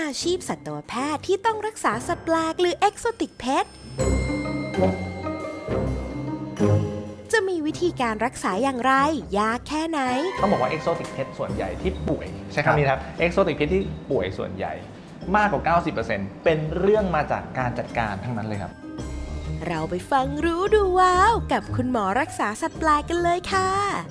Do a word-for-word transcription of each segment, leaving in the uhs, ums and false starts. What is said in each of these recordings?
อาชีพสัตวแพทย์ที่ต้องรักษาสัตว์แปลกหรือ Exotic Pet จะมีวิธีการรักษาอย่างไรยากแค่ไหนต้องบอกว่า Exotic Pet ส่วนใหญ่ที่ป่วยใช่คำนี้ครับ Exotic Pet ที่ป่วยส่วนใหญ่มากกว่า เก้าสิบเปอร์เซ็นต์ เป็นเรื่องมาจากการจัดการทั้งนั้นเลยครับเราไปฟังรู้ดูว้าวกับคุณหมอรักษาสัตว์แปลกกันเลยค่ะ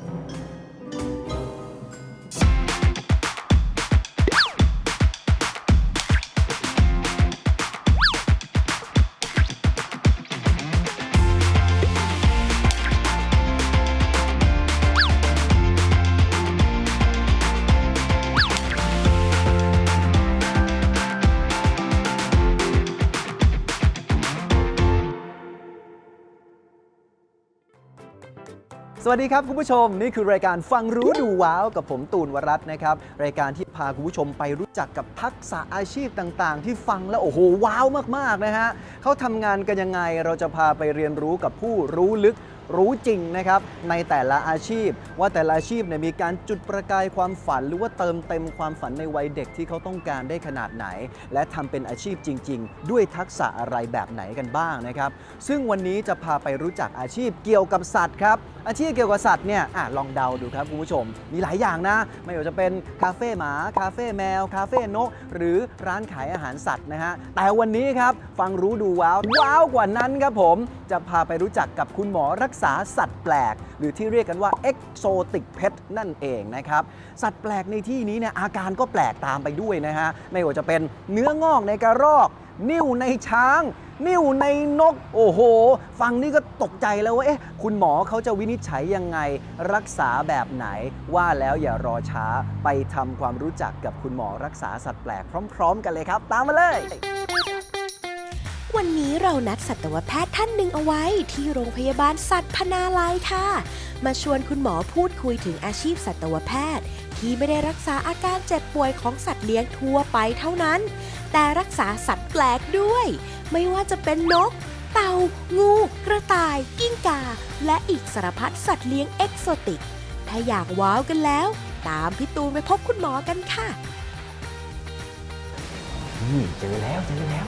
สวัสดีครับคุณผู้ชมนี่คือรายการฟังรู้ดูว้าวกับผมตูนวรัตน์นะครับรายการที่พาคุณผู้ชมไปรู้จักกับทักษะอาชีพต่างๆที่ฟังแล้วโอ้โหว้าวมากๆนะฮะเขาทำงานกันยังไงเราจะพาไปเรียนรู้กับผู้รู้ลึกรู้จริงนะครับในแต่ละอาชีพว่าแต่ละอาชีพเนี่ยมีการจุดประกายความฝันหรือว่าเติมเต็มความฝันในวัยเด็กที่เขาต้องการได้ขนาดไหนและทำเป็นอาชีพจริงๆด้วยทักษะอะไรแบบไหนกันบ้างนะครับซึ่งวันนี้จะพาไปรู้จักอาชีพเกี่ยวกับสัตว์ครับอาชีพเกี่ยวกับสัตว์เนี่ยอ่ะลองเดาดูครับคุณผู้ชมมีหลายอย่างนะไม่ว่าจะเป็นคาเฟ่หมาคาเฟ่แมวคาเฟ่นกหรือร้านขายอาหารสัตว์นะฮะแต่วันนี้ครับฟังรู้ดูว้าวว้าวกว่านั้นครับผมจะพาไปรู้จักกับคุณหมอรักษาสัตว์แปลกหรือที่เรียกกันว่า Exotic Pet นั่นเองนะครับสัตว์แปลกในที่นี้เนี่ยอาการก็แปลกตามไปด้วยนะฮะไม่ว่าจะเป็นเนื้องอกในกระรอกนิ่วในช้างนิ่วในนกโอ้โหฟังนี่ก็ตกใจแล้วว่าเอ๊ะคุณหมอเขาจะวินิจฉัยยังไงรักษาแบบไหนว่าแล้วอย่ารอช้าไปทำความรู้จักกับคุณหมอรักษาสัตว์แปลกพร้อมๆกันเลยครับตามมาเลยวันนี้เรานัดสัตวแพทย์ท่านหนึ่งเอาไว้ที่โรงพยาบาลสัตว์พนาลัยค่ะมาชวนคุณหมอพูดคุยถึงอาชีพสัตวแพทย์ที่ไม่ได้รักษาอาการเจ็บป่วยของสัตว์เลี้ยงทั่วไปเท่านั้นแต่รักษาสัตว์แปลกด้วยไม่ว่าจะเป็นนกเต่างูกระต่ายกิ้งก่าและอีกสารพัดสัตว์เลี้ยงเอกโซติกถ้าอยากว้าวกันแล้วตามพี่ตูนไปพบคุณหมอกันค่ะนี่เจอแล้วเจอแล้ว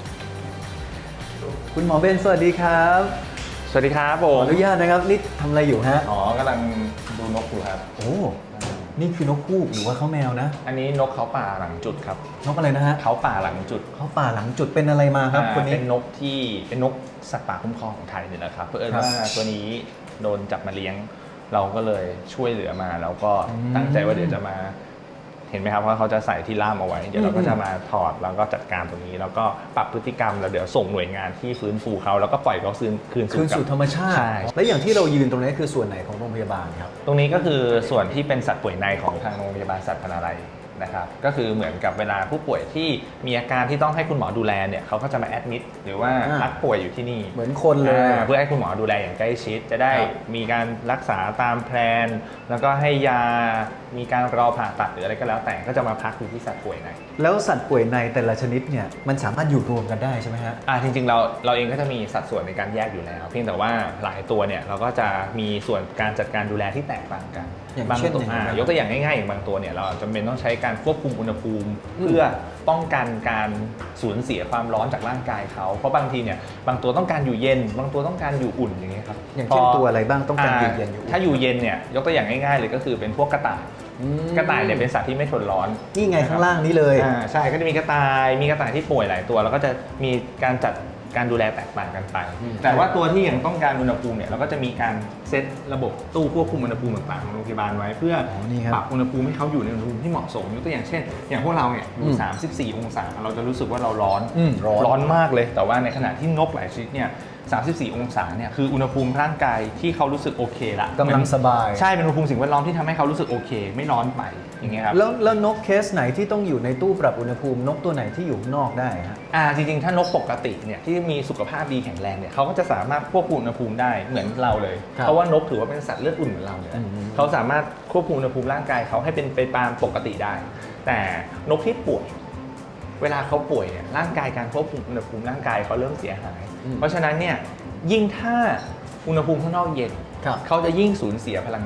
คุณหมอเบนสวัสดีครับสวัสดีครับผมขออนุญาตนะครับนี่ทำอะไรอยู่ฮะอ๋อกำลังดูนกอยู่ครับโอ้นี่คือนกฮูกหรือว่าเขาแมวนะอันนี้นกเขาป่าหลังจุดครับนกอะไรนะฮะเขาป่าหลังจุดเขาป่าหลังจุดเป็นอะไรมาครับคนนี้เป็นนกที่เป็นนกสัตว์ป่าคุ้มครองของไทยนี่แหละครับเพื่อว่าตัวนี้โดนจับมาเลี้ยงเราก็เลยช่วยเหลือมาแล้วก็ตั้งใจว่าเดี๋ยวจะมาเห็นไหมครับว่าเขาจะใส่ที่ล่ามเอาไว้เดี๋ยวเราก็จะมาถอดแล้วก็จัดการตรงนี้แล้วก็ปรับพฤติกรรมแล้วเดี๋ยวส่งหน่วยงานที่ฟื้นฟูเขาแล้วก็ปล่อยเขาคืนคืนสู่ธรรมชาติและอย่างที่เรายืนตรงนี้คือส่วนไหนของโรงพยาบาลครับตรงนี้ก็คือส่วนที่เป็นสัตว์ป่วยในของทางโรงพยาบาลสัตว์พนาลัยนะครับก็คือเหมือนกับเวลาผู้ป่วยที่มีอาการที่ต้องให้คุณหมอดูแลเนี่ยเขาก็จะมาแอดมิดหรือว่าพักป่วยอยู่ที่นี่เหมือนคนเลยเพื่อให้คุณหมอดูแลอย่างใกล้ชิดจะได้มีการรักษาตามแพลนแล้วก็ให้ยามีการรอผ่าตัดหรืออะไรก็แล้วแต่ก็จะมาพักอยู่ที่สัตว์ป่วยในแล้วสัตว์ป่วยในแต่ละชนิดเนี่ยมันสามารถอยู่รวมกันได้ใช่ไหมฮะอ่าจริงๆเราเราเองก็จะมีสัดส่วนในการแยกอยู่แล้วเพียงแต่ว่าหลายตัวเนี่ยเราก็จะมีส่วนการจัดการดูแลที่แตกต่างกันอย่างเช่นยกตัวอย่างง่ายๆอย่างบางตัวเนี่ยเราจำเป็นต้องใช้การควบคุมอุณหภูมิเพื่อป้องกันการสูญเสียความร้อนจากร่างกายเขาเพราะบางทีเนี่ยบางตัวต้องการอยู่เย็นบางตัวต้องการอยู่อุ่นอย่างเงี้ยครับอย่างเช่นตัวอะไรบ้างต้องการอยู่เย็นอยู่ถ้าอยู่เย็นเนี่ยยกตัวอย่างง่ายๆเลยก็คือเป็นพวกกระต่ายกระต่ายเนี่ยเป็นสัตว์ที่ไม่ทนร้อนนี่ไงข้างล่างนี้เลยอ่าใช่ก็จะมีกระต่ายมีกระต่ายที่ป่วยหลายตัวแล้วก็จะมีการจัดการดูแลแตกต่างกันไปแต่ว่าตัวที่ยังต้องการอุณหภูมิเนี่ยเราก็จะมีการเซตระบบตู้ควบคุมอุณหภูมิต่างๆของโรงพยาบาลไว้เพื่อปรับอุณหภูมิให้เขาอยู่ในอุณหภูมิที่เหมาะสมยกตัวอย่างเช่นอย่างพวกเราเนี่ยอยู่สามสิบสี่องศาเราจะรู้สึกว่าเราร้อนร้อนมากเลยแต่ว่าในขณะที่นกหลายชนิดเนี่ยสามสิบสี่องศาเนี่ยคืออุณหภูมิร่างกายที่เขารู้สึกโอเคละกำลังสบายใช่เป็นอุณหภูมิสิ่งแวดล้อมที่ทำให้เขารู้สึกโอเคไม่ร้อนไปอย่างเงี้ยครับแล้วแล้วนกเคสไหนที่ต้องอยู่ในตู้ปรับอุณหภูมินกตัวไหนที่อยู่ข้างนอกได้ฮะอ่าจริงๆถ้านกปกติเนี่ยที่มีสุขภาพดีแข็งแรงเนี่ยเขาก็จะสามารถควบคุมอุณหภูมิได้เหมือนเราเลยเพราะว่านกถือว่าเป็นสัตว์เลือดอุ่นเหมือนเราเลยเขาสามารถควบคุมอุณหภูมิร่างกายเขาให้เป็นไปตามปกติได้แต่นกที่ป่วยเวลาเขาป่วยเนี่ยร่างกายการควบคุมอุณหภูมิร่างกายเขาเริ่มเสียหายเพราะฉะนั้นเนี่ยยิ่งถ้าอุณหภูมิข้างนอกเย็นเขาจะยิ่งสูญเสียพลังงาน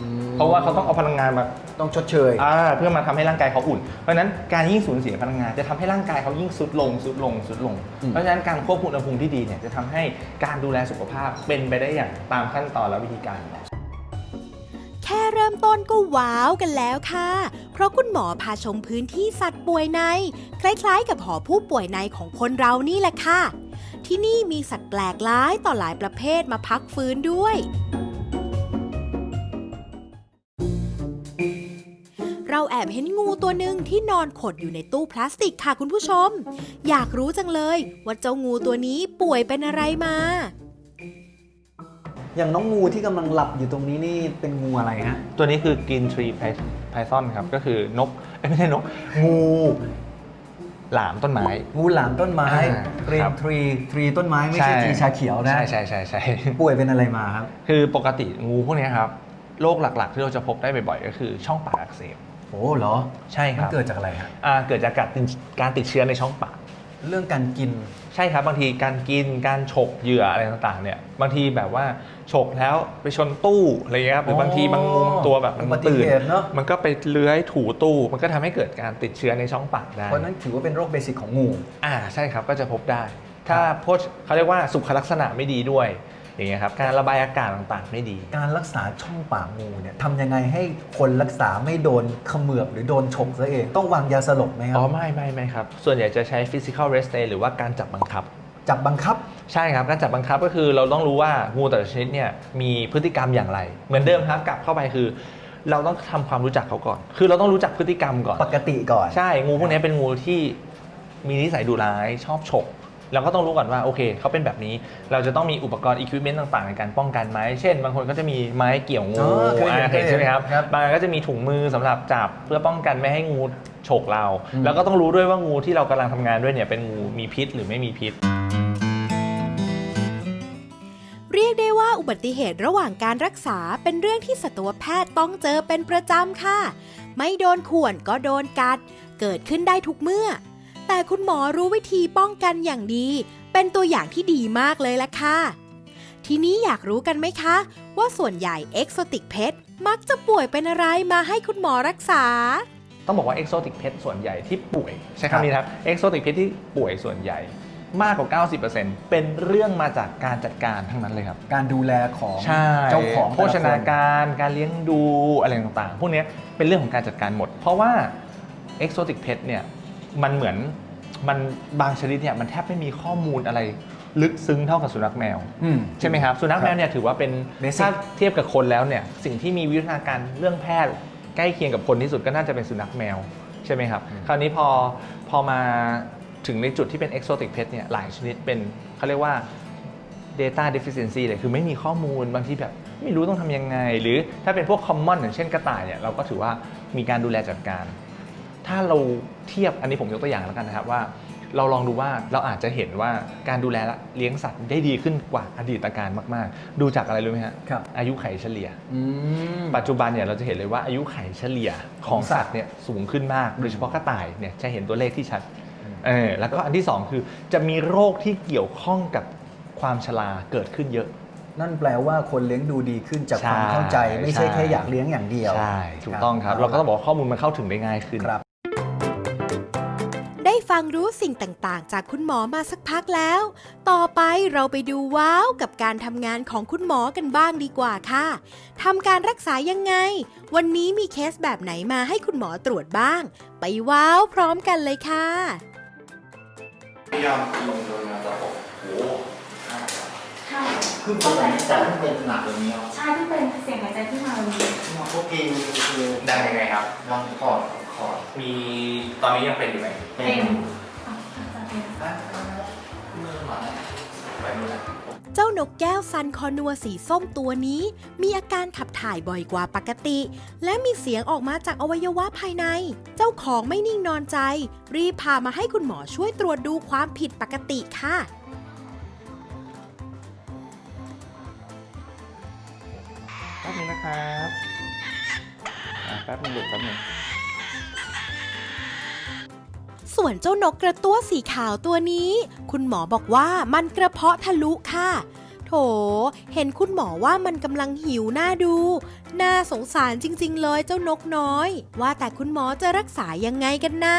เพราะว่าเขาต้องเอาพลังงานมาต้องชดเชยอ่าเพื่อมาทำให้ร่างกายเขาอุ่นเพราะฉะนั้นการยิ่งสูญเสียพลังงานจะทำให้ร่างกายเขายิ่งสุดลงสุดลงสุดลงอืมเพราะฉะนั้นการควบคุมอุณหภูมิที่ดีเนี่ยจะทำให้การดูแลสุขภาพเป็นไปได้อย่างตามขั้นตอนและวิธีการแค่เริ่มต้นก็ว้าวกันแล้วค่ะ เพราะคุณหมอพาชมพื้นที่สัตว์ป่วยใน คล้ายๆกับหอผู้ป่วยในของคนเรานี่แหละค่ะ ที่นี่มีสัตว์แปลกหลายต่อหลายประเภทมาพักฟื้นด้วย เราแอบเห็นงูตัวหนึ่งที่นอนขดอยู่ในตู้พลาสติกค่ะคุณผู้ชม อยากรู้จังเลยว่าเจ้างูตัวนี้ป่วยเป็นอะไรมาอย่างน้องงูที่กำลังหลับอยู่ตรงนี้นี่เป็นงูอะไรฮะตัวนี้คือ Green Tree Python ครับก็คือนกเอ้ยไม่ใช่นกงูหลามต้นไม้งูหลามต้นไม้อ่ากรีครันบทรีทรีต้นไม้ไม่ใช่ทรีชาเขียวนะใช่ใช่ใช่ใช่ป่วยเป็นอะไรมาครับคือปกติงูพวกนี้ครับโรคหลักๆที่เราจะพบได้บ่อยๆก็คือช่องปากอักเสบโอ้เหรอใช่คมันรับเกิดจากอะไรฮะอ่าเกิดจากการติดการติดเชื้อในช่องปากเรื่องการกินใช่ครับบางทีการกินการฉกเหยื่ออะไรต่างๆเนี่ยบางทีแบบว่าฉกแล้วไปชนตู้อะไรเงี้ยครับหรือบางทีบางงูบางตัวแบบมันอุบัติตื่นเหตุเนอะมันก็ไปเลื้อยถูตู้มันก็ทำให้เกิดการติดเชื้อในช่องปากได้เพราะนั้นถือว่าเป็นโรคเบสิกของงูอ่าใช่ครับก็จะพบได้ ถ้าโพชเขาเรียกว่าสุขลักษณะไม่ดีด้วยอย่างเงี้ยครับการระบายอากาศต่างๆไม่ดีการรักษาช่องปากงูเนี่ยทำยังไงให้คนรักษาไม่โดนเขมือบหรือโดนฉกซะเอง ต้องวางยาสลบไหมครัอ๋อไม่ไม่ไม่ครับส่วนใหญ่จะใช้ physical restraint หรือว่าการจับบังคับจับบังคับใช่ครับการจับบังคับก็คือเราต้องรู้ว่างูแต่ละชนิดเนี่ยมีพฤติกรรมอย่างไร เหมือนเดิมครับกลับเข้าไปคือ เราต้องทำความรู้จักเขาก่อน คือเราต้องรู้จักพฤติกรรมก่อนปกติก่อนใช่งูพวกนี้เป็นงูที่มีนิสัยดุร้ายชอบฉกเราก็ต้องรู้ก่อนว่าโอเคเขาเป็นแบบนี้เราจะต้องมีอุปกรณ์อุปกรณ์ต่างๆในการป้องกันไหมเช่น บางคนก็จะมีไม้เกี่ยวงูอ๋อเคยเห็นอ่าเห็นใช่ไหมครับครับบางอันก็จะมีถุงมือสำหรับจับเพื่อป้องกันไม่ให้งูฉกเราอืมแล้วก็ต้องรู้ด้วยว่างูที่เรากำลังทำงานด้วยเนี่ยเป็นงูมีพิษหรือไม่มีพิษเรียกได้ว่าอุบัติเหตุระหว่างการรักษาเป็นเรื่องที่สัตวแพทย์ต้องเจอเป็นประจำค่ะ ไม่โดนข่วนก็โดนกัด เกิดขึ้นได้ทุกเมื่อ แต่คุณหมอรู้วิธีป้องกันอย่างดี เป็นตัวอย่างที่ดีมากเลยล่ะค่ะ ทีนี้อยากรู้กันไหมคะ ว่าส่วนใหญ่ Exotic Pet มักจะป่วยเป็นอะไรมาให้คุณหมอรักษาต้องบอกว่า exotic pet ส่วนใหญ่ที่ป่วยใช้ครับคำนี้นะครับ exotic pet ที่ป่วยส่วนใหญ่มากกว่า เก้าสิบเปอร์เซ็นต์ เป็นเรื่องมาจากการจัดการทั้งนั้นเลยครับการดูแลของใช่เจ้าของโภชนาการการเลี้ยงดูอะไรต่างๆ พวกนี้เป็นเรื่องของการจัดการหมด เพราะว่า exotic pet เนี่ยมันเหมือนมันบางชนิดเนี่ยมันแทบไม่มีข้อมูลอะไรลึกซึ้งเท่ากับสุนัขแมวอืมใช่ไหมครับสุนัขแมวเนี่ยถือว่าเป็น Basic ถ้าเทียบกับคนแล้วเนี่ยสิ่งที่มีวิวัฒนาการเรื่องแพทย์ใกล้เคียงกับคนที่สุดก็น่าจะเป็นสุนัขแมวใช่ไหมครับ คราวนี้พอพอมาถึงในจุดที่เป็น exotic pet เนี่ยหลายชนิดเป็นเขาเรียกว่า data deficiency เลยคือไม่มีข้อมูลบางทีแบบไม่รู้ต้องทำยังไง หรือถ้าเป็นพวก common อย่างเช่นกระต่ายเนี่ยเราก็ถือว่ามีการดูแลจัดการ ถ้าเราเทียบอันนี้ผมยกตัวอย่างแล้วกันนะครับว่า เราลองดูว่าเราอาจจะเห็นว่าการดูแลเลี้ยงสัตว์ได้ดีขึ้นกว่าอดีตการมากๆ ดูจากอะไรรู้ไหมฮะครับอายุไขเฉลี่ยอืมปัจจุบันเนี่ยเราจะเห็นเลยว่าอายุไขเฉลี่ยของสัตว์เนี่ยสูงขึ้นมาก โดยเฉพาะกระต่ายเนี่ยจะเห็นตัวเลขที่ชัดเออแล้วก็อันที่สองคือจะมีโรคที่เกี่ยวข้องกับความชราเกิดขึ้นเยอะนั่นแปลว่าคนเลี้ยงดูดีขึ้นจากใช่ความเข้าใจ ไม่ใช่ใช่แค่อยากเลี้ยงอย่างเดียวใช่ถูกต้องครับเราก็ต้องบอกว่าข้อมูลมันเข้าถึงได้ง่ายขึ้นครับได้ฟังรู้สิ่งต่างๆ จากคุณหมอมาสักพักแล้ว ต่อไปเราไปดูว้าวกับการทำงานของคุณหมอกันบ้างดีกว่าค่ะทำการรักษายังไง วันนี้มีเคสแบบไหนมาให้คุณหมอตรวจบ้าง ไปว้าวพร้อมกันเลยค่ะพยายามลงโดยมาตะปบโอ้ใช่คือคนไหนจะไม่เป็นหนักแบบนี้ครับใช่ที่เป็นเสียงหายใจที่มาวันนี้พวกกีคือได้ยังไงครับลองคอร์ดคอร์ดมีตอนนี้ยังเป็นอยู่ไหมเป็นอ่ะอาจจะเป็นมือหมาไปนู่นนะเจ้านกแก้วซันคอนัวสีส้มตัวนี้ มีอาการขับถ่ายบ่อยกว่าปกติ และมีเสียงออกมาจากอวัยวะภายใน เจ้าของไม่นิ่งนอนใจ รีบพามาให้คุณหมอช่วยตรวจดูความผิดปกติค่ะแป๊บนึงนะครับอ่ะแป๊บนึงลูกแป๊บนึงส่วนเจ้านกกระตั้วสีขาวตัวนี้ คุณหมอบอกว่ามันกระเพาะทะลุค่ะ โถเห็นคุณหมอว่ามันกำลังหิวหน้าดู น่าสงสารจริงๆเลยเจ้านกน้อย ว่าแต่คุณหมอจะรักษายังไงกันนะ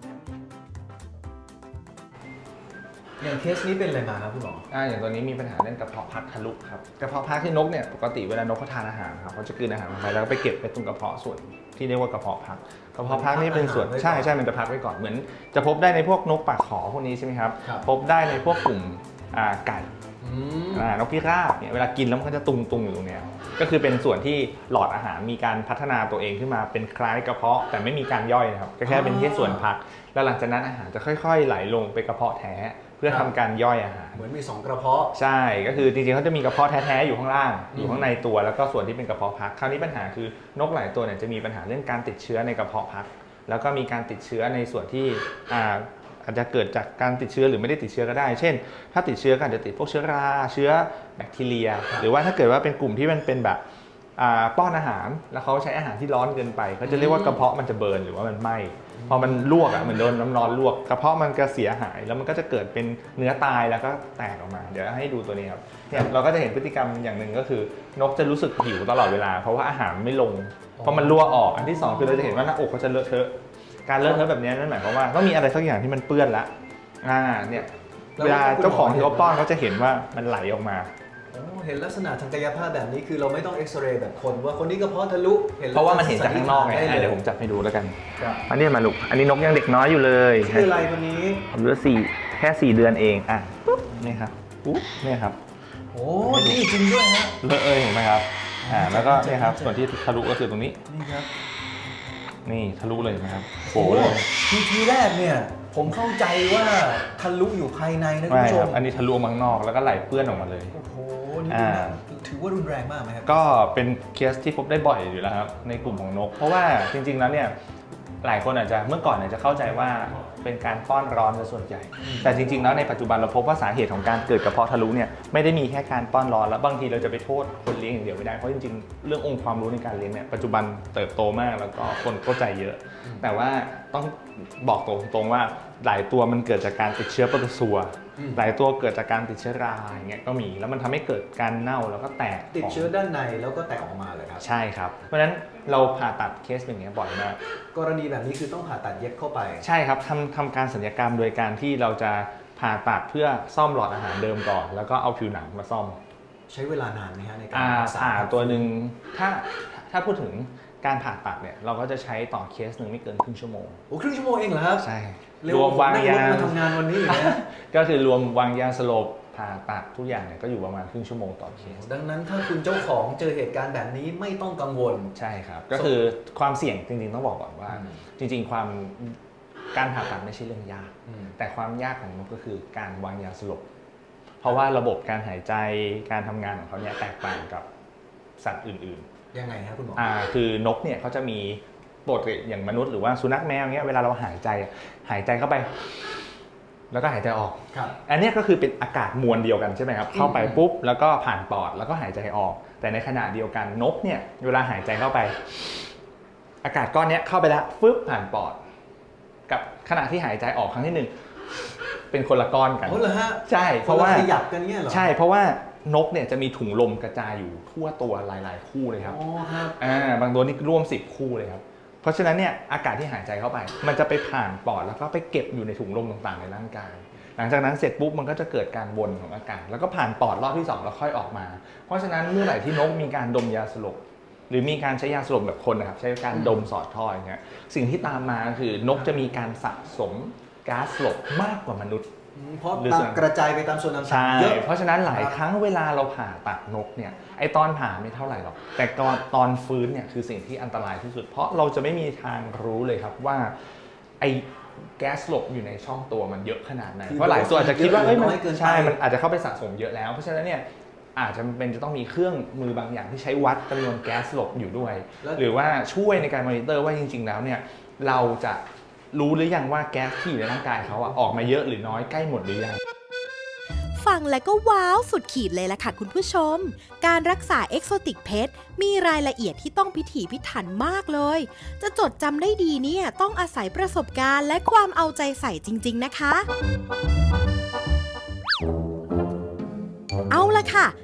อย่างเคสนี้เป็นอะไรมาครับคุณหมออ่าอย่างตัวนี้มีปัญหาเรื่องกระเพาะพักทะลุครับกระเพาะพักที่นกเนี่ยปกติเวลานกเขาทานอาหารครับเขาจะกลืนอาหารลงไปแล้วก็ไปเก็บไปตรงกระเพาะส่วนที่เรียกว่ากระเพาะพักกระเพาะพักนี่เป็นส่วนมันพักอาหารไว้ก่อนใช่ใช่มันจะพักไว้ก่อนเหมือนจะพบได้ในพวกนกปากขอพวกนี้ใช่ไหมครับครับพบได้ในพวกกลุ่มอ่าไก่อืมอ่านกพิราบเนี่ยเวลากินแล้วมันก็จะตุงตุงๆอยู่ตรงเนี้ยก็คือเป็นส่วนที่หลอดอาหารมีการพัฒนาตัวเองขึ้นมาเป็นคล้ายกระเพาะแต่ไม่มีการย่อยนะครับก็แค่เป็นแค่ส่วนพักแล้วหลังจากนั้นอาหารจะค่อยๆ ไหลลงไปกระเพาะแท้เพื่อทำการย่อยอาหารเหมือนมีสองกระเพาะใช่ก็คือจริงๆเขาจะมีกระเพาะแท้ๆอยู่ข้างล่างอยู่ข้างในตัวแล้วก็ส่วนที่เป็นกระเพาะพักคราวนี้ปัญหาคือนกหลายตัวเนี่ยจะมีปัญหาเรื่องการติดเชื้อในกระเพาะพักแล้วก็มีการติดเชื้อในส่วนที่อ่าอาจจะเกิดจากการติดเชื้อหรือไม่ได้ติดเชื้อก็ได้ เช่น ถ้าติดเชื้อก็อาจจะติดพวกเชื้อราเชื้อแบคทีเรีย หรือว่าถ้าเกิดว่าเป็นกลุ่มที่มันเป็นแบบอ่าป้อนอาหารแล้วเขาใช้อาหารที่ร้อนเกินไปเขาจะเรียกว่ากระเพาะมันจะเบิร์นหรือว่ามันไหม้พอมันลวกอ่ะเหมือนโดนน้ำร้อนลวกกระเพาะมันก็เสียหายแล้วมันก็จะเกิดเป็นเนื้อตายแล้วก็แตกออกมาเดี๋ยวให้ดูตัวนี้ครับเนี่ยเราก็จะเห็นพฤติกรรมอย่างหนึ่งก็คือนกจะรู้สึกหิวตลอดเวลาเพราะว่าอาหารไม่ลงเพราะมันรั่วออกอันที่สองคือเราจะเห็นว่าหน้าอกเขาจะเลอะเทอะการเลอะเทอะแบบนี้นั่นหมายความว่าต้องมีอะไรสักอย่างที่มันเปื้อนละอ่าเนี่ยเวลาเจ้าของที่เขาป้อนเขาจะเห็นว่ามันไหลออกมาโอ้เห็นลักษณะทางกายภาพแบบนี้คือเราไม่ต้องเอ็กซเรย์แบบคนว่าคนนี้กระเพาะทะลุเพราะว่ามันเห็นจากข้างนอกไงได้อ่ะเลเดี๋ยยวผมจับให้ดูแล้วกันครับอันนี้มาลูกอันนี้นกยังเด็กน้อยอยู่เลยชื่ออะไรคนนี้อายุสี่แค่สี่เดือนเองอ่ะปุ๊บนี่ครับปุ๊บนี่ครับโอ้นี่จริงด้วยฮะเลอะเอยเห็นไหมครับอ่าแล้วก็เนี่ยครับส่วนที่ทะลุก็คือตรงนี้นี่ครับนี่ทะลุเลยเห็นไหมครับโผโอ้ล่เลยทีทีแรกเนี่ยผมเข้าใจว่าทะลุอยู่ภายในนะคุณไม่ผู้ชครัมบอันนี้ทะลุออกมาข้างนอกแล้วก็ไหลเปื้อนออกมาเลยโอ้โหนี่อ่าถือว่ารุนแรงมากไหมครับก็เป็นเคสที่พบได้บ่อยอยู่แล้วครับในกลุ่มของนก เพราะว่าจริงๆแล้วเนี่ยหลายคนอาจจะเมื่อก่อนอาจจะเข้าใจว่าเป็นการป้อนร้อนซะส่วนใหญ่ แต่จริงๆแล้วในปัจจุบันเราพบว่าสาเหตุของการเกิดกระเพาะทะลุเนี่ยไม่ได้มีแค่การป้อนร้อนแล้วบางทีเราจะไปโทษคนเลี้ยงอย่างเดียวไม่ได้เพราะจริงๆเรื่ององค์ความรู้ในการเลี้ยงเนี่ยปัจจุบันเติบโตมากแล้วก็คนเข้าใจเยอะ แต่ว่าต้องบอกตรงๆว่าหลายตัวมันเกิดจากการติดเชื้อโปรโตซัวอืมหลายตัวเกิดจากการติดเชื้อราอย่างเงี้ยก็มีแล้วมันทำให้เกิดการเน่าแล้วก็แตกติดของเชื้อด้านในแล้วก็แตกออกมาเลยครับใช่ครับ เพราะฉะนั้นเราผ่าตัดเคสอย่างเงี้ยบ่อยมากกรณีแบบนี้คือต้องผ่าตัดเย็บเข้าไปใช่ครับทำทำการศัลยกรรมโดยการที่เราจะผ่าตัดเพื่อซ่อมหลอดอาหารเดิมก่อน แล้วก็เอาผิวหนังมาซ่อมใช้เวลานานไหมฮะในการอ่ารักษาผ่าตัวหนึ่งถ้าถ้าพูดถึงการผ่าตัดเนี่ยเราก็จะใช้ต่อเคสหนึ่งไม่เกินครึ่งชั่วโมงโอ้ครึ่งชั่วโมงเองเหรอครับใช่เร็วรวมวางนั่งรยาถมาทำงานวันนี้อีกนะก็คือรวมวางยาสลบผ่าตัดทุกอย่างเนี่ยก็อยู่ประมาณครึ่งชั่วโมงต่อเคสดังนั้นถ้าคุณเจ้าของเจอเหตุการณ์แบบนี้ไม่ต้องกังวลใช่ครับ ก็คือความเสี่ยงจริงๆต้องบอกก่อนว่าอืมจริงๆความการผ่าตัดไม่ใช่เรื่องยากอืมแต่ความยากของนกก็คือการวางยาสลบ เพราะว่าระบบการหายใจการทำงานของเขาเนี่ยแตกต่างกับสัตว์อื่นยังไงครับคุณหมอๆอ่าคือนกเนี่ยเขาจะมีปกติอย่างมนุษย์หรือว่าสุนัขแมวเงี้ยเวลาเราหายใจอะหายใจเข้าไป แล้วก็หายใจออกครับอันเนี้ยก็คือเป็นอากาศมวลเดียวกันใช่ไหมครับ เข้าไปอืมปุ๊บแล้วก็ผ่านปอดแล้วก็หายใจออก แต่ในขณะเดียวกันนกเนี่ยเวลาหายใจเข้าไป อากาศก้อนเนี้ยเข้าไปแล้วฟึบผ่านปอด กับขณะที่หายใจออกครั้งที่หนึ่งเป็นคนละก้อนกันโอ้เหรอฮะใช่เพราะว่าขยับกันเงี้ยเหรอใช่เพราะว่านกเนี่ยจะมีถุงลมกระจายอยู่ทั่วตัวหลาย ๆ คู่เลยครับอ๋อครับอ่าบางตัวนี่ร่วมสิบคู่เลยครับเพราะฉะนั้นเนี่ยอากาศที่หายใจเข้าไป มันจะไปผ่านปอดแล้วก็ไปเก็บอยู่ในถุงลมต่างๆในร่างกาย หลังจากนั้นเสร็จปุ๊บมันก็จะเกิดการวนของอากาศ แล้วก็ผ่านปอดรอบที่สองแล้วค่อยออกมา เพราะฉะนั้นเมื่อไหร่ที่นกมีการดมยาสลบหรือมีการใช้ยาสลบแบบคนนะครับใช้การดมสอดท่ออย่างเงี้ยสิ่งที่ตามมาคือนกจะมีการสะสมก๊าซสลบมากกว่ามนุษย์อืมเพราะหรือตาส่มวนกระจายไปตามส่วนต่าใช่งๆเยอะเพราะฉะนั้นหลายครับครั้งเวลาเราผ่าตัดนกเนี่ยไอตอนผ่าไม่เท่าไหร่หรอกแต่ตอนตอนฟื้นเนี่ยคือสิ่งที่อันตรายที่สุด เพราะเราจะไม่มีทางรู้เลยครับว่าไอแก๊สหลบอยู่ในช่องตัวมันเยอะขนาดไหนคือเพราะหลายตัวอาจจะคิดว่าเยอะเอ้ยหรือมันน้อยเกินไปใช่มันอาจจะเข้าไปสะสมเยอะแล้วเพราะฉะนั้นเนี่ยอาจจะเป็นจะต้องมีเครื่องมือบางอย่างที่ใช้วัดจำนวนแก๊สหลบอยู่ด้วย หรือว่าช่วยในการมอนิเตอร์ว่าจริง ๆ แล้วเนี่ยเราจะรู้หรือยังว่าแก๊สที่อยู่ในร่างกายเขาอะออกมาเยอะหรือน้อยใกล้หมดหรือยังฟังแล้วก็ว้าวสุดขีดเลยล่ะค่ะคุณผู้ชม การรักษาเอ็กโซติกเพทมีรายละเอียดที่ต้องพิถีพิถันมากเลย จะจดจำได้ดีเนี่ยต้องอาศัยประสบการณ์และความเอาใจใส่จริงๆนะคะ เอาละค่ะ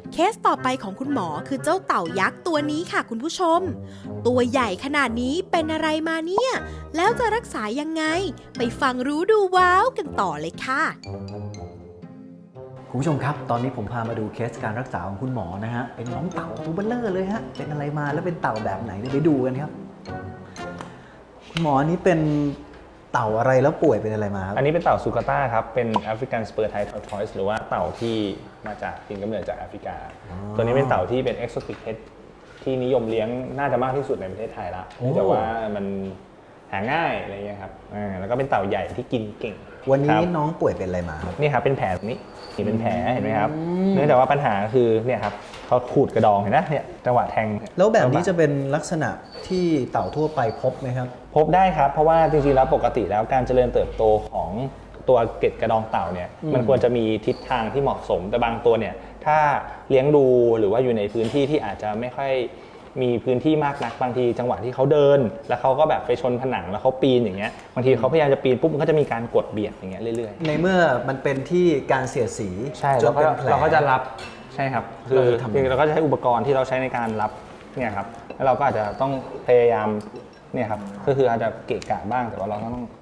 เคสต่อไปของคุณหมอคือเจ้าเต่ายักษ์ตัวนี้ค่ะคุณผู้ชม ตัวใหญ่ขนาดนี้เป็นอะไรมาเนี่ย แล้วจะรักษายังไง ไปฟังรู้ดูว้าวกันต่อเลยค่ะคุณผู้ชมครับ ตอนนี้ผมพามาดูเคสการรักษาของคุณหมอนะฮะ เป็นน้องเต่าตัวเบลเลอร์เลยฮะ เป็นอะไรมาแล้วเป็นเต่าแบบไหนเดี๋ยวไปดูกันครับ คุณหมออันนี้เป็นเต่าอะไรแล้วป่วยเป็นอะไรมาครับอันนี้เป็นเต่าซูกาต้าครับ เป็นแอฟริกันสเปอร์ไททอร์ทอยส์หรือว่าเต่าที่มาจากถิ่นกำเนิดจากแอฟริกา ตัวนี้เป็นเต่าที่เป็นเอ็กโซติกเพทที่นิยมเลี้ยงน่าจะมากที่สุดในประเทศไทยละเนื่องจากว่ามันหาง่ายอะไรเงี้ยครับอ่าแล้วก็เป็นเต่าใหญ่ที่กินเก่งวันนี้ครับน้องป่วยเป็นอะไรมาครับนี่ครับเป็นแผลตรงนี้นี่เป็นแผลเห็นไหมครับ เนื่องจากว่าปัญหาคือเนี่ยครับเขาขูดกระดองเห็นไหมเนี่ยจังหวะแทงแล้วแบบนี้จะเป็นลักษณะที่เต่าทั่วไปพบไหมครับพบได้ครับ เพราะว่าจริงๆแล้วปกติแล้วการเจริญเติบโตของตัวเกล็ดกระดองเต่าเนี่ยอืมมันควรจะมีทิศทางที่เหมาะสมแต่บางตัวเนี่ยถ้าเลี้ยงดูหรือว่าอยู่ในพื้นที่ที่อาจจะไม่ค่อยมีพื้นที่มากนักบางทีจังหวะที่เขาเดิน แล้วเขาก็แบบไปชนผนังแล้วเขาปีนอย่างเงี้ยบางทีเขาพยายามจะปีนปุ๊บมันก็จะมีการกดเบียดอย่างเงี้ยเรื่อยๆในเมื่อมันเป็นที่การเสียดสีใช่จเรานก็เป็นแผลเราก็จะรับใช่ครับคือเราจะทำคือเราก็จะใช้อุปกรณ์ที่เราใช้ในการรับเนี่ยครับแล้วเราก็อาจจะต้องพยายามเนี่ยครับก็คืออาจจะเกะกะบ้างแต่ว่าเราก็ต้อง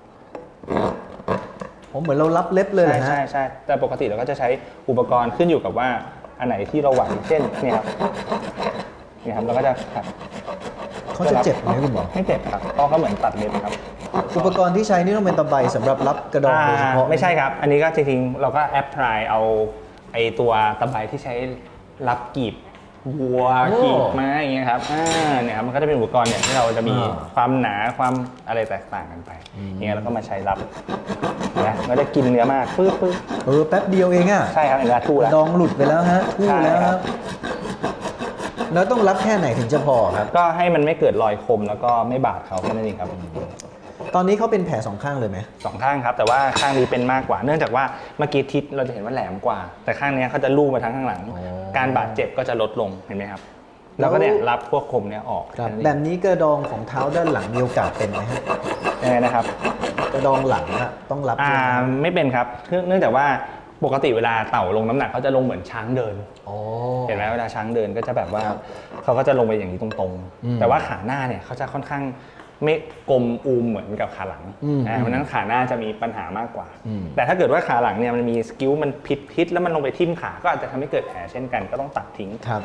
ผมเหมือนเรารับเล็บเลยใช่นะฮะใช่ใช่แต่ปกติเราก็จะใช้อุปกรณ์ขึ้นอยู่กับว่าอันไหนที่เราไหวเช่นเนี่ยครับเนี่ยครับเราก็จะตัดเขาจะเจ็บไหมคุณหมอไม่เจ็บครับเพราะเขาเหมือนตัดเล็บครับอุปกรณ์ที่ใช้นี่ต้องเป็นตะไบสำหรับรับกระดองโดยเฉพาะอ่าไม่ใช่ครับ อันนี้ก็จริงๆเราก็แอปพลายเอาไอตัวตะไบที่ใช้รับกีบวัวกีบม้าอย่างเงี้ยครับอ่าเนี่ยครับมันก็จะเป็นอุปกรณ์เนี่ยที่เราจะมีความหนาความอะไรแตกต่างกันไปเนี่ยแล้วก็มาใช้รับนะมันจะกินเนื้อมากปึ๊บปึ๊บเออแป๊บเดียวเองอะใช่ครับเห็นไหมทู่กแล้วระดองหลุดไปแล้วฮะทู่ใช่แล้วคครัรับ บ แล้วต้องรับแค่ไหนถึงจะพอครับก็ให้มันไม่เกิดรอยคมแล้วก็ไม่บาดเขาแค่นั้นเองครับตอนนี้เขาเป็นแผลสองข้างเลยไหมสองข้างครับแต่ว่าข้างนี้เป็นมากกว่า เนื่องจากว่าเมื่อกี้ทิศเราจะเห็นว่าแหลมกว่า แต่ข้างนี้เขาจะลู่มาทั้งข้างหลัง การบาดเจ็บก็จะลดลงเห็นไหมครับแล้วก็เนี่ยรับพวกคมเนี่ยออกครับค่นั้นเองแบบนี้กระดองของเท้าด้านหลังมีโอกาสเป็นไหมฮะยังไงนะครับกระดองหลังอะต้องรับอ่าด้วยไหมไม่เป็นครับเนื่องเนื่องจากว่าปกติเวลาเต่าลงน้ำหนักเขาจะลงเหมือนช้างเดินอ๋อเห็นไหมเวลาช้างเดินก็จะแบบว่าเขาก็จะลงไปอย่างนี้ตรงอืมๆ แต่ว่าขาหน้าเนี่ยเขาจะค่อนข้างไม่กลมอูมเหมือนกับขาหลังอืมอ่าเพราะฉะนั้นขาหน้าจะมีปัญหามากกว่าอืมแต่ถ้าเกิดว่าขาหลังเนี่ยมันมีสกิลมันผิดทิศแล้วมันลงไปทิ่มขาก็อาจจะทำให้เกิดแผลเช่นกันก็ต้องตัดทิ้งครับ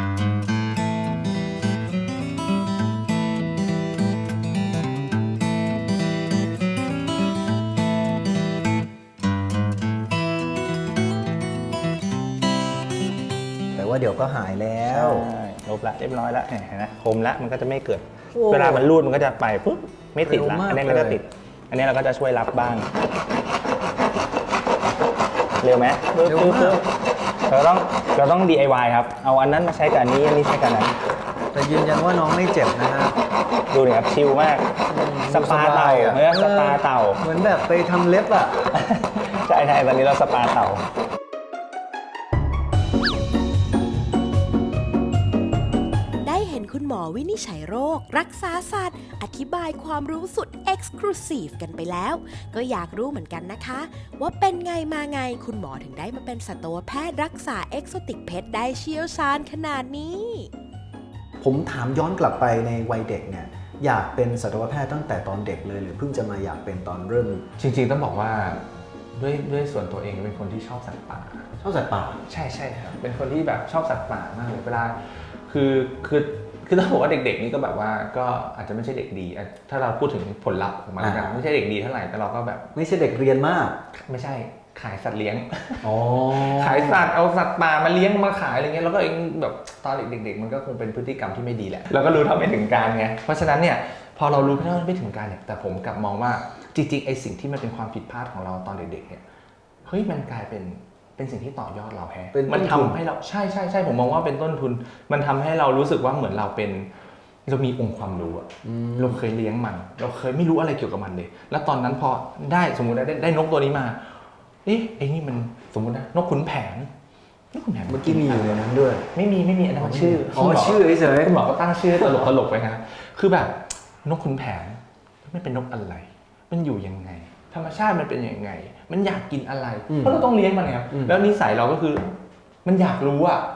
แต่ว่าเดี๋ยวก็หายแล้วใช่ลบละเรียบร้อยละเห็นไหมคมละมันก็จะไม่เกิดโอ้เวลามันรูดมันก็จะไปปุ๊บไม่ติดละเร็วมากอันนี้มันก็เลยติด อันนี้เราก็จะช่วยรับบ้าง เร็วไหมปึ๊บเร็วปึ๊บมากปึ๊บเราต้องเราต้อง ดี ไอ วาย ครับ เอาอันนั้นมาใช้กับอันนี้อันนี้ใช้กับอันนั้นแต่ยืนยันว่าน้องไม่เจ็บนะฮะดูเนี่ยครับชิลมาก สปาเต่าดูสบายอะเออสปาเต่าเหมือนแบบไปทำเล็บอ่ะใช่ใช่ตอนนี้เราสปาเต่าได้เห็นคุณหมอวินิจฉัยโรค รักษาสัตว์ อธิบายความรู้สุด Exclusive กันไปแล้ว ก็อยากรู้เหมือนกันนะคะ ว่าเป็นไงมาไงคุณหมอถึงได้มาเป็นสัตวแพทย์รักษาเอกโซติกเพชได้เชี่ยวชาญขนาดนี้ผมถามย้อนกลับไปในวัยเด็กเนี่ย อยากเป็นสัตวแพทย์ตั้งแต่ตอนเด็กเลย หรือเพิ่งจะมาอยากเป็นตอนเริ่มจริงๆต้องบอกว่าด้วยด้วยส่วนตัวเองเป็นคนที่ชอบสัตว์ป่าชอบสัตว์ป่าใช่ใช่ครับ เป็นคนที่แบบชอบสัตว์ป่ามากเลยเวลาคือคือคือต้องบอกว่าเด็กๆนี่ก็แบบว่าก็อาจจะไม่ใช่เด็กดีอ่ะถ้าเราพูดถึงผลลัพธ์ของมันแล้วกันอ่าไม่ใช่เด็กดีเท่าไหร่แต่เราก็แบบไม่ใช่เด็กเรียนมากไม่ใช่ขายสัตว์เลี้ยงอ๋อขายสัตว์เอาสัตว์ป่ามาเลี้ยงมาขายอะไรเงี้ยแล้วก็เองแบบตอนเด็กๆมันก็คงเป็นพฤติกรรมที่ไม่ดีแหละแล้วก็รู้เท่าไม่ถึงการไงเพราะฉะนั้นเนี่ยพอเรารู้เท่าไม่ถึงการเนี่ยแต่ผมกลับมองว่าจริงๆไอ้สิ่งที่มันเป็นความผิดพลาดของเราตอนเด็กๆเนี่ยเฮ้ยมันกลายเป็นเป็นสิ่งที่ต่อยอดเราแฮะเป็นต้นทุนมันทำให้เราใช่ใช่ใช่ผมมองว่าเป็นต้นทุน มันทำให้เรารู้สึกว่าเหมือนเราเป็นเรามีองค์ความรู้อะเราเคยเลี้ยงมัน เราเคยไม่รู้อะไรเกี่ยวกับมันเลย แล้วตอนนั้นพอได้สมมุติได้ได้นกตัวนี้มาเอ๊ะไอ้นี่มันสมมุตินะนกขุนแผนนกขุนแผนเมื่อกี้มีอยู่ในนั้นด้วยไม่มีไม่มีอันนั้นมันชื่ออ๋อคุณหมชื่อเฉยๆคุณหมอก็ตั้งชื่อตลกตลกๆไปนะคือแบบนกขุนแผนไม่เป็นนกอะไร มันอยู่ยังไง ธรรมชาติมันเป็นยังไง มันอยากกินอะไรอืมเพราะเราต้องเลี้ยงมันไงครับอืมแล้วนิสัยเราก็คือมันอยากรู้อะ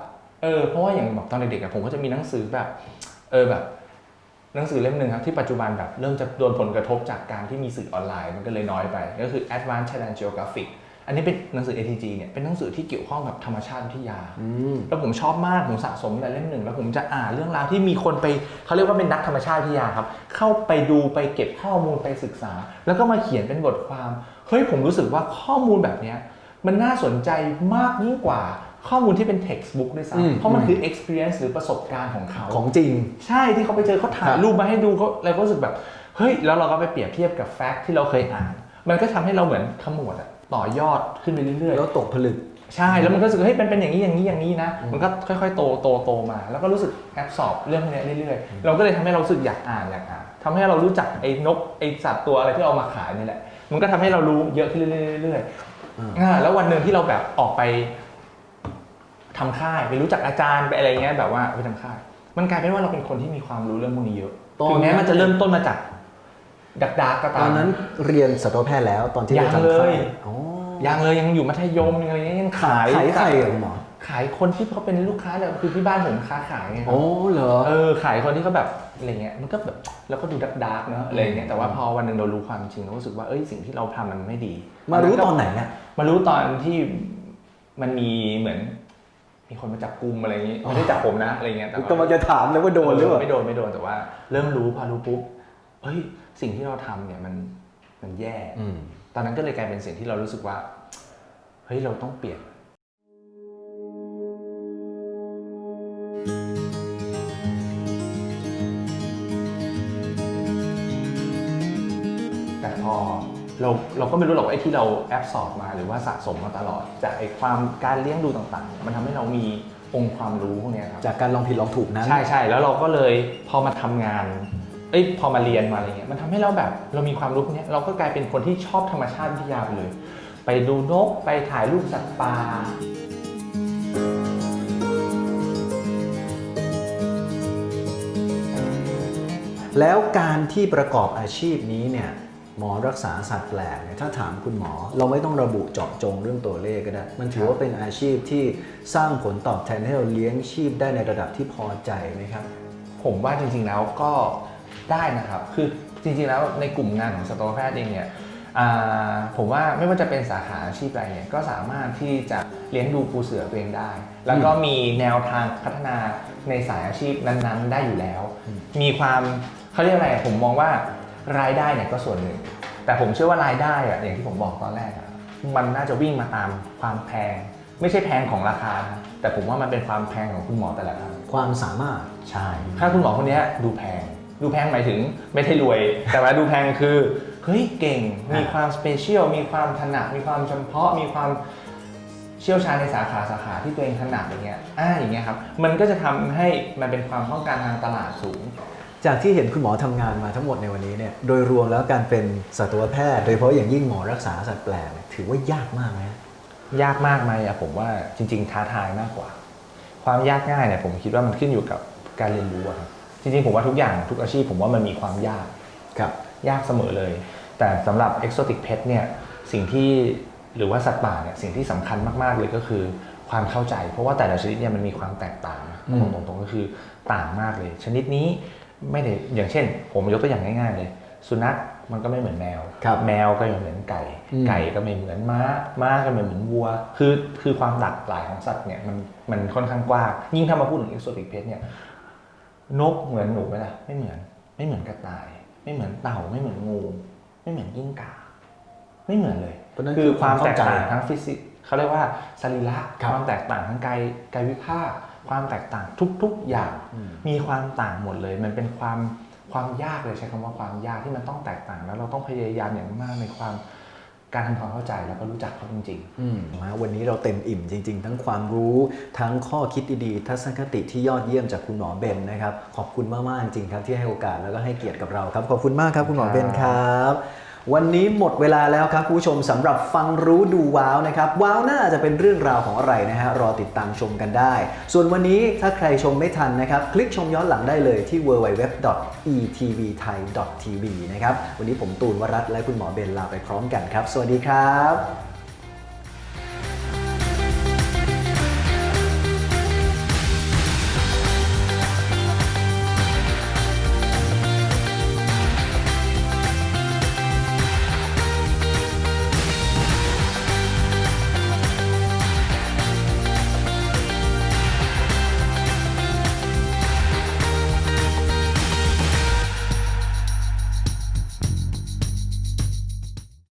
เออเพราะว่าอย่างแบบตอนเด็กๆอะผมก็จะมีหนังสือแบบเออแบบหนังสือเล่มหนึ่งครับที่ปัจจุบันแบบเริ่มจะโดนผลกระทบจากการที่มีสื่อออนไลน์มันก็เลยน้อยไปก็คือ Advanced Thailand Geographic อันนี้เป็นหนังสือ เอ ที จี เนี่ยเป็นหนังสือที่เกี่ยวข้องกับธรรมชาติวิทยาแล้วผมชอบมากผมสะสมแต่เล่มหนึ่งแล้วผมจะอ่านเรื่องราวที่มีคนไปเขาเรียกว่าเป็นนักธรรมชาติวิทยาครับเข้าไปดูไปเก็บข้อมูลไปศึกษาแล้วก็มาเขียนเป็นบทความเฮ้ยผมรู้สึกว่าข้อมูลแบบนี้มันน่าสนใจมากยิ่งกว่าข้อมูลที่เป็น textbook ด้วยซ้ำเพราะมันคือ experience หรือประสบการณ์ของเขาของจริงใช่ที่เขาไปเจอเขาถ่ายรูปมาให้ดูเขาเราก็รู้สึกแบบเฮ้ยแล้วเราก็ไปเปรียบเทียบกับแฟกต์ที่เราเคยอ่านมันก็ทำให้เราเหมือนขมวดอะต่อยอดขึ้นไปเรื่อยๆแล้วตกผลึกใช่แล้วมันก็รู้สึกเฮ้ยเป็นเป็นอย่างนี้อย่างนี้อย่างนี้นะมันก็ค่อยๆโตโตโตมาแล้วก็รู้สึกแอบสอบเรื่องพวกนี้เรื่อยๆเราก็เลยทำให้เรารู้สึกอยากอ่านอยากอ่านทำให้เรารู้จักไอ้นกไอ้สัตว์ตัวอะไรที่เอามาขายนี่แหละมันก็ทำให้เรารู้เยอะขึ้นเรื่อยๆอ่าแล้ววันหนึ่งที่เราแบบออกไปทำค่ายไปรู้จักอาจารย์ไปอะไรเงี้ยแบบว่าไปทำค่ายมันกลายเป็นว่าเราเป็นคนที่มีความรู้เรื่องพวกนี้เยอะถึงแม้มันจะเริ่มต้นมาจากดักดาร์กก็ตามตอนนั้นเรียนสัตวแพทย์แล้วตอนที่เราทำค่ายยังเลยยังอยู่มัธยมอะไรเงี้ยยังขายขายใครอะหมอขายคนที่เขาเป็นลูกค้าเลยคือที่บ้านผมค้าขายไงครับโอ้เหรอเออขายคนที่เขาแบบอะไรเงี้ยมันก็แบบแล้วก็ดูดักดาร์กเนาะอะไรเงี้ยแต่ว่าพอวันหนึ่งเรารู้ความจริงเรารู้สึกว่าเอ้ยสิ่งที่เราทำมันไม่ดีมารู้ตอนไหนเนี่ยมารู้ตอนที่มันมีเหมือนมีคนมาจับกุมอะไรอย่างงี้ไม่ได้จับผมนะอะไรเงี้ยแต่ก็มันจะถามเลยว่าโดนหรือเปล่าไม่โดนไม่โดนแต่ว่าเริ่มรู้พอรู้ปุ๊บเฮ้ยสิ่งที่เราทำเนี่ยมันมันแย่ตอนนั้นก็เลยกลายเป็นสิ่งที่เรารู้สึกว่าเฮ้ยเราต้องเปลี่ยนแต่พอเราเราก็ไม่รู้หรอกว่าไอ้ที่เราแอบสอบมาหรือว่าสะสมมาตลอดจากไอ้ความการเลี้ยงดูต่างๆมันทำให้เรามีองค์ความรู้พวกนี้ครับจากการลองผิดลองถูกนั้นใช่ใช่แล้วเราก็เลยพอมาทำงานเอ้ยพอมาเรียนมาอะไรเงี้ยมันทำให้เราแบบเรามีความรู้พวกนี้เราก็กลายเป็นคนที่ชอบธรรมชาติวิทยาไปเลยไปดูนกไปถ่ายรูปสัตว์ป่าแล้วการที่ประกอบอาชีพนี้เนี่ยหมอรักษาสัตว์แปลกเนี่ยถ้าถามคุณหมอเราไม่ต้องระบุเจาะจงเรื่องตัวเลขก็ได้มันถือว่าเป็นอาชีพที่สร้างผลตอบแทนให้เราเลี้ยงชีพได้ในระดับที่พอใจไหมครับผมว่าจริงๆแล้วก็ได้นะครับคือจริงๆแล้วในกลุ่มงานของสัตวแพทย์เองเนี่ยผมว่าไม่ว่าจะเป็นสาขาอาชีพอะไรเนี่ยก็สามารถที่จะเลี้ยงดูปูเสือตัวเองได้แล้วก็มีแนวทางพัฒนาในสายอาชีพนั้นๆได้อยู่แล้วมีความเขาเรียกอะไรผมมองว่ารายได้เนี่ยก็ส่วนหนึ่งแต่ผมเชื่อว่ารายได้อะอย่างที่ผมบอกตอนแรกอะมันน่าจะวิ่งมาตามความแพงไม่ใช่แพงของราคาแต่ผมว่ามันเป็นความแพงของคุณหมอแต่ละท่านความสามารถใช่ถ้าคุณหมอคนนี้ดูแพงดูแพงหมายถึงไม่ได้รวยแต่ว่าดูแพงคือเฮ้ยเก่งมีความสเปเชียลมีความถนัดมีความเฉพาะมีความเชี่ยวชาญในสาขาสาขาที่ตัวเองถนัดอย่างเงี้ยอ่าอย่างเงี้ยครับมันก็จะทำให้มันเป็นความต้องการทางตลาดสูงจากที่เห็นคุณหมอทำงานมาทั้งหมดในวันนี้เนี่ยโดยรวมแล้วการเป็นสัตวแพทย์โดยเฉพาะอย่างยิ่งหมอรักษาสัตว์แปลกถือว่ายากมากไหมยากมากไหมอะผมว่าจริงๆท้าทายมากกว่าความยากง่ายเนี่ยผมคิดว่ามันขึ้นอยู่กับการเรียนรู้ครับจริงๆผมว่าทุกอย่างทุกอาชีพผมว่ามันมีความยากครับยากเสมอเลยแต่สำหรับ Exotic Pet เนี่ยสิ่งที่หรือว่าสัตว์ป่าเนี่ยสิ่งที่สำคัญมากๆเลยก็คือความเข้าใจเพราะว่าแต่ละชนิดเนี่ยมันมีความแตกต่างตรงๆก็คือต่างมากเลยชนิดนี้ไม่ได้อย่างเช่นผมยกตัวอย่างง่ายๆเลยสุนัขมันก็ไม่เหมือนแมวแมวก็ไม่เหมือนไก่ไก่ก็ไม่เหมือนม้าม้าก็ไม่เหมือนวัวคือคือความหลากหลายของสัตว์เนี่ยมันมันค่อนข้างกว้างยิ่งถ้ามาพูดถึง Exotic Pet เนี่ยนกเหมือนหนูไหมล่ะไม่เหมือนไม่เหมือนกระต่ายไม่เหมือนเต่าไม่เหมือนงูไม่เหมือนกิ้งก่าไม่เหมือนเลยคือความแตกต่างทั้งฟิสิกส์เขาเรียกว่าสรีระความแตกต่างทั้งกายกายวิภาคความแตกต่างทุกๆอย่างมีความต่างหมดเลยมันเป็นความความยากเลยใช้คำว่าความยากที่มันต้องแตกต่างแล้วเราต้องพยายามอย่างมากในความการทำความเข้าใจแล้วก็รู้จักเขาจริงๆวันนี้เราเต็มอิ่มจริงๆทั้งความรู้ทั้งข้อคิดดีๆทัศนคติที่ยอดเยี่ยมจากคุณหมอเบนนะครับขอบคุณมากๆจริงๆครับที่ให้โอกาสแล้วก็ให้เกียรติกับเราครับขอบคุณมากครับคุณหมอเบนครับวันนี้หมดเวลาแล้วครับคุณผู้ชมสำหรับฟังรู้ดูว้าวนะครับว้าวน่าจะเป็นเรื่องราวของอะไรนะฮะรอติดตามชมกันได้ส่วนวันนี้ถ้าใครชมไม่ทันนะครับคลิกชมย้อนหลังได้เลยที่ ดับเบิลยู ดับเบิลยู ดับเบิลยู ดอท อี ที วี ไทย ดอท ที วี นะครับวันนี้ผมตูนวรัตน์และคุณหมอเบนลาไปพร้อมกันครับสวัสดีครับ